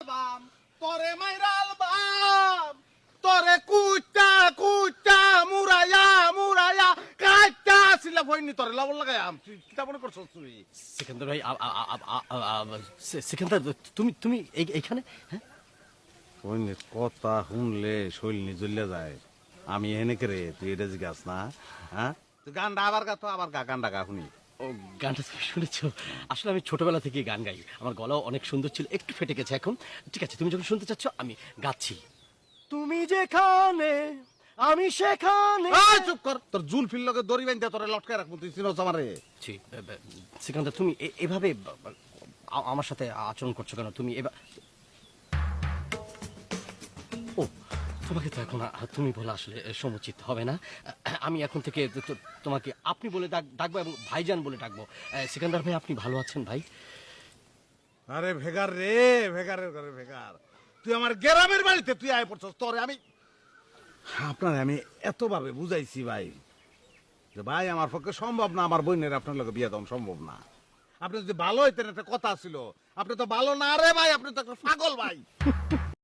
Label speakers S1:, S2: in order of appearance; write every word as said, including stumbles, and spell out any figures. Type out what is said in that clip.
S1: বাম তোরে মাইরাল বাম তোরে কুচা কুচা মুরায়া মুরায়া কাচা আসিলা ভইনি তোরে লবণ লাগাই আম তুই কিতা মনে করছস তুই
S2: সিকান্দার ভাই আ- আ- আ- আ- আ- আ- সি- সিকান্দার তুমি তুমি এই- এইখানে হ্যাঁ
S1: ভইনি কথা শুনলে শৈলনি জ্বলে যায় আমি এনে করে তুই এটা জিজ্ঞাস না হ্যাঁ তুই গানটা আবার গা তো আবার গা গানটা গা শুনি
S2: ও গানটা তুমি শুনেছো আসলে আমি ছোটবেলা থেকে গান গাই আমার গলাও অনেক সুন্দর ছিল একটু ফেটে গেছে এখন ঠিক আছে তুমি যখন শুনতে চাচ্ছ আমি গাচ্ছি তুমি যেখানে আমি সেখানে
S1: এই চুপ কর তোর জুল ফিল লগে দড়ি বাইন্ধা তোরে লটকায় রাখবো তুই চিনোস আমারে
S2: ছি, বে- বে- সিকান্দার তুমি এ- এভাবে বা- বা- আ- আমার সাথে আচরণ করছো কেন তুমি এবার ও তোমাকে তো এখন আ- তুমি বলা আসলে সমুচিত হবে না আমি এখন থেকে তো- তো- তোমাকে আপনি বলে ডাক- ডাকবো এবং ভাইজান বলে ডাকবো এ, সিকান্দার ভাই আপনি ভালো আছেন ভাই
S1: আরে ভেগার রে ভেগারের ঘরে ভেগার তুই আমার গ্রামের বাড়িতে তুই আয় পড়ছস তোরে আমি আপনার আমি এতভাবে বুঝাইছি ভাই যে ভাই আমার পক্ষে সম্ভব না আমার বোনের আপনার লোকে বিয়ে দেওয়া সম্ভব না আপনি যদি ভালো হইতেন একটা কথা ছিল আপনি তো ভালো না রে ভাই আপনি তো একটা পাগল ভাই